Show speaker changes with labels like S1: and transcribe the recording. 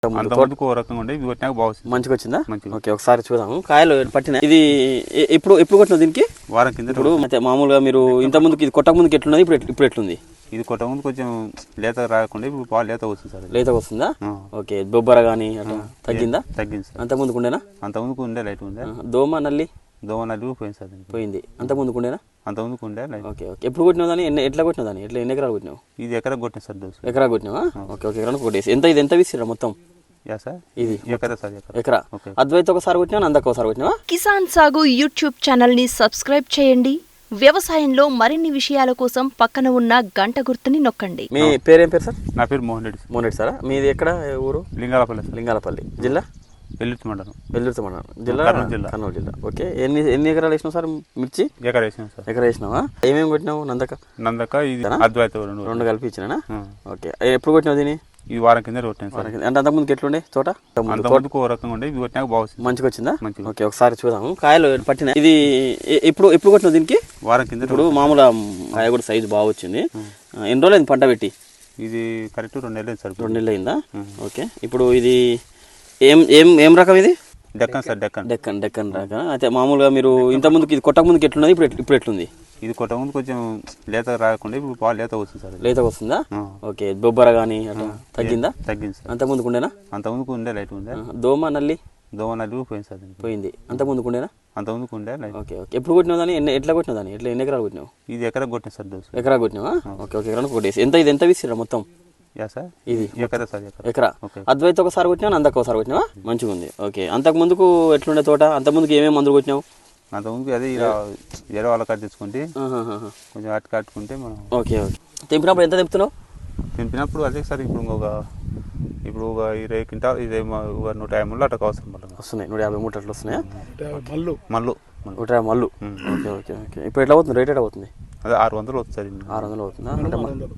S1: అంతకుముందుకు ఓ రకంగా ఉండే ఇది కొట్టినాక బాగుంది.
S2: మంచిగా వచ్చిందా? ఓకే, ఒకసారి చూద్దాము. కాయలు పట్టిన ఇది ఎప్పుడు కొట్టినావు దీనికి?
S1: వారం కింద.
S2: ఇప్పుడు అయితే మామూలుగా మీరు ఇంత ముందుకి ఇది కొట్టక ముందుకి ఎట్లున్నది, ఇప్పుడు ఎట్లుంది?
S1: ఇది కొట్ట ముందు కొంచెం లేత రాకుండా ఇప్పుడు బాగా లేత వస్తుంది సార్.
S2: లేత వస్తుందా? ఓకే, బొబ్బర కానీ అట్లా తగ్గిందా?
S1: తగ్గింది సార్.
S2: అంత ముందుకు ఉండేనా?
S1: అంతకుముందుకు ఉండే లైట్ ఉండే.
S2: దోమ నల్లి
S1: దోమ నల్లి పోయింది సార్.
S2: పోయింది. అంత ముందుకు ఉండేనా?
S1: అంతకుముందుకు ఉండే లైట్.
S2: ఓకే ఓకే, ఎప్పుడు కొట్టినావు దాన్ని? ఎట్లా కొట్టినావు దాన్ని? ఎన్ని ఎకరాలు కొట్టినావు?
S1: ఇది ఎకరా కొట్టిన సార్ డోసు.
S2: ఎకరా కొట్టినావా? ఓకే ఓకే, ఎకరానికి కొట్టేసి ఇది ఎంత విసిరా మొత్తం?
S1: యా సార్,
S2: ఇది
S1: ఎకరా సార్.
S2: ఎకరా. అద్వైత ఒకసారి కొట్టినా, అందక ఒకసారి కొట్టినావా?
S3: కిసాన్ సాగు యూట్యూబ్ ఛానల్ ని సబ్స్క్రైబ్ చేయండి. వ్యవసాయంలో మరిన్ని విషయాల కోసం పక్కన ఉన్న గంట గుర్తుని నొక్కండి.
S2: మీ పేరేం పేరు సార్?
S1: నా పేరు మోహన్ రెడ్డి.
S2: మోహన్ రెడ్డి సారా? మీది ఎక్కడ ఊరు?
S1: లింగాలపల్లి.
S2: లింగాలపల్లి జిల్లా?
S1: వెల్లుర్తి మండలం.
S2: వెల్లుర్తి మండలం జిల్లా? కర్నూలు జిల్లా. ఓకే, ఎన్ని ఎకరాలు వేసినావు సార్ మిర్చి?
S1: ఎకరా వేసినాం సార్.
S2: ఎకరా వేసినావా? ఏమేమి కొట్టినావు? నందక
S1: ఇది అద్వైత
S2: రెండు కలిపి ఇచ్చినా? ఓకే, ఎప్పుడు కొట్టినావు దీన్ని?
S1: ఈ వారం కింద కొట్టాను సార్.
S2: అంటే అంతకుముందుకు ఎట్లుండే తోట?
S1: అంతకుముందుకు ఓ రకంగా ఉండే ఇది కొట్టినాక బాగుంది.
S2: మంచిగా వచ్చిందా?
S1: మంచిగా.
S2: ఓకే, ఒకసారి చూద్దాము. కాయలు పట్టిన ఇది ఎప్పుడు కొట్టినావు దీనికి?
S1: వారం కింద.
S2: ఇప్పుడు మామూలుగా కాయ కూడా సైజు బాగా వచ్చింది. ఎన్ని రోజులు అయింది పంట పెట్టి?
S1: ఇది కరెక్ట్ 2 నెలలు సార్.
S2: 2 నెలలు అయిందా? ఓకే, ఇప్పుడు ఇది ఏం రకం ఇది?
S1: డెక్కన్ సార్.
S2: డెక్కన్ రకం. అయితే మామూలుగా మీరు ఇంత ముందుకి ఇది కొట్టక ముందుకి ఎట్లున్నది, ఇప్పుడు ఎట్లుంది?
S1: ఇది కొట్ట ముందు కొంచెం లేత రాకుండా ఇప్పుడు బాగా లేత వస్తుంది సార్.
S2: లేత వస్తుందా? ఓకే, బొబ్బర కానీ అట్లా తగ్గిందా?
S1: తగ్గింది సార్.
S2: అంత ముందుకు ఉండేనా?
S1: అంతకుముందుకు ఉండే లైట్ ఉండే.
S2: దోమ నల్లి
S1: దోమ నల్లి పోయింది సార్.
S2: పోయింది. అంత ముందుకు ఉండేనా?
S1: అంతకుముందుకు ఉండే లైట్.
S2: ఓకే ఓకే, ఎప్పుడు కొట్టినావు దాన్ని? ఎట్లా కొట్టినావు దాన్ని? ఎన్ని ఎకరాలు కొట్టినావు?
S1: ఇది ఎకరా కొట్టిన సార్ డోసు.
S2: ఎకరా కొట్టినావా? ఓకే ఓకే, ఎకరానికి కొట్టేసి ఎంత విసిరా మొత్తం?
S1: యా సార్,
S2: ఇది
S1: ఎకరా సార్.
S2: ఎకరా. అద్వైత ఒకసారి కొట్టినా, అందక ఒకసారి కొట్టినావా? మంచిగా ఉంది. ఓకే, అంతకు ముందుకు ఎట్లుండే తోట? అంత ముందుకు ఏమేమి మందులు కొట్టినావు?
S1: అంతకుముందుకు అదే ఇలా వేరే వాళ్ళ కాడ తెచ్చుకుంటే కొంచెం అటు కట్టుకుంటే మనం.
S2: ఓకే ఓకే, తెంపినప్పుడు ఎంత తెంపుతున్నావు?
S1: తెంపినప్పుడు అదే సార్ ఇప్పుడు ఒక 20 క్వింటాల్, 150 ముళ్ళు అట్లా అవసరం పడుతుంది.
S2: వస్తున్నాయి 150 మూటలు అట్లా వస్తున్నాయా?
S1: మళ్ళు
S2: 150 మళ్ళు. ఓకే ఓకే ఓకే, ఇప్పుడు ఎట్లా అవుతుంది రేట్? ఎట్లా అవుతుంది?
S1: అదే 600 అవుతుంది సార్.
S2: 600 అవుతుందా? అంటే